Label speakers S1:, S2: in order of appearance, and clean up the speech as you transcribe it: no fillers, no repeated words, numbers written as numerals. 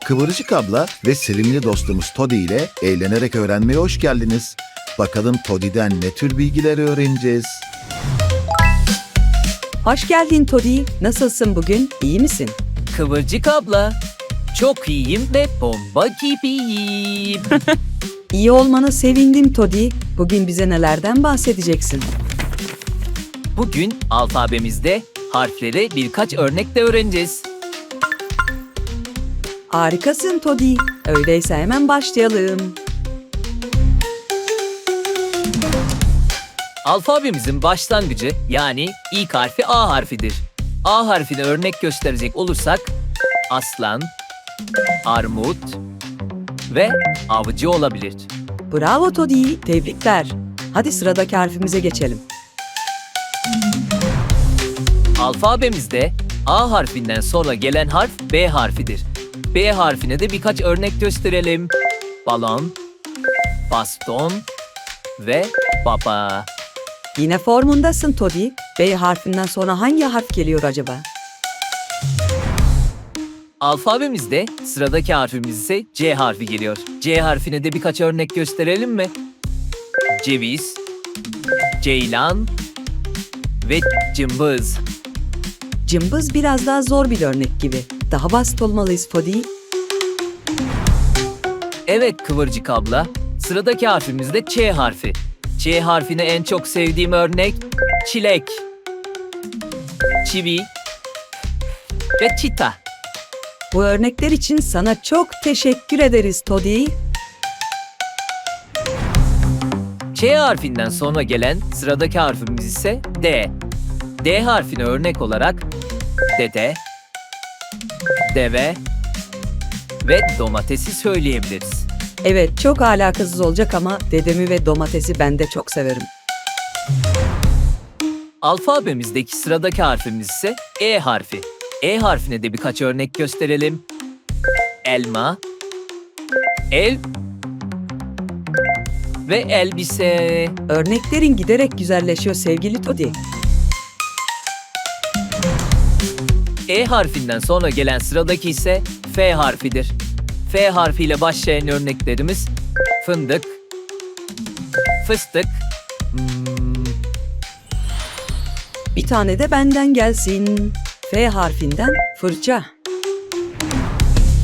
S1: Kıvırcık abla ve sevimli dostumuz Toddy ile eğlenerek öğrenmeye hoş geldiniz. Bakalım Toddy'den ne tür bilgiler öğreneceğiz?
S2: Hoş geldin Toddy. Nasılsın bugün? İyi misin?
S3: Kıvırcık abla, çok iyiyim ve bomba gibiyim.
S2: İyi olmana sevindim Toddy. Bugün bize nelerden bahsedeceksin?
S3: Bugün alfabemizde harfleri birkaç örnekle öğreneceğiz.
S2: Harikasın Toddy. Öyleyse hemen başlayalım.
S3: Alfabemizin başlangıcı yani ilk harfi A harfidir. A harfine örnek gösterecek olursak aslan, armut ve avcı olabilir.
S2: Bravo Toddy. Tebrikler. Hadi sıradaki harfimize geçelim.
S3: Alfabemizde A harfinden sonra gelen harf B harfidir. B harfine de birkaç örnek gösterelim. Balon, baston ve baba.
S2: Yine formundasın Toddy. B harfinden sonra hangi harf geliyor acaba?
S3: Alfabemizde sıradaki harfimiz ise C harfi geliyor. C harfine de birkaç örnek gösterelim mi? Ceviz, ceylan ve cımbız.
S2: Cımbız biraz daha zor bir örnek gibi. Daha basit olmalıyız Toddy.
S3: Evet Kıvırcık abla, sıradaki harfimiz de Ç harfi. Ç harfine en çok sevdiğim örnek çilek, çivi ve çita.
S2: Bu örnekler için sana çok teşekkür ederiz Toddy.
S3: Ç harfinden sonra gelen sıradaki harfimiz ise D. D harfine örnek olarak dede, deve ve domatesi söyleyebiliriz.
S2: Evet, çok alakasız olacak ama dedemi ve domatesi ben de çok severim.
S3: Alfabemizdeki sıradaki harfimiz ise E harfi. E harfine de birkaç örnek gösterelim. Elma, el ve elbise.
S2: Örneklerin giderek güzelleşiyor sevgili Toddy.
S3: E harfinden sonra gelen sıradaki ise F harfidir. F harfiyle başlayan örneklerimiz fındık, fıstık,
S2: Bir tane de benden gelsin. F harfinden fırça.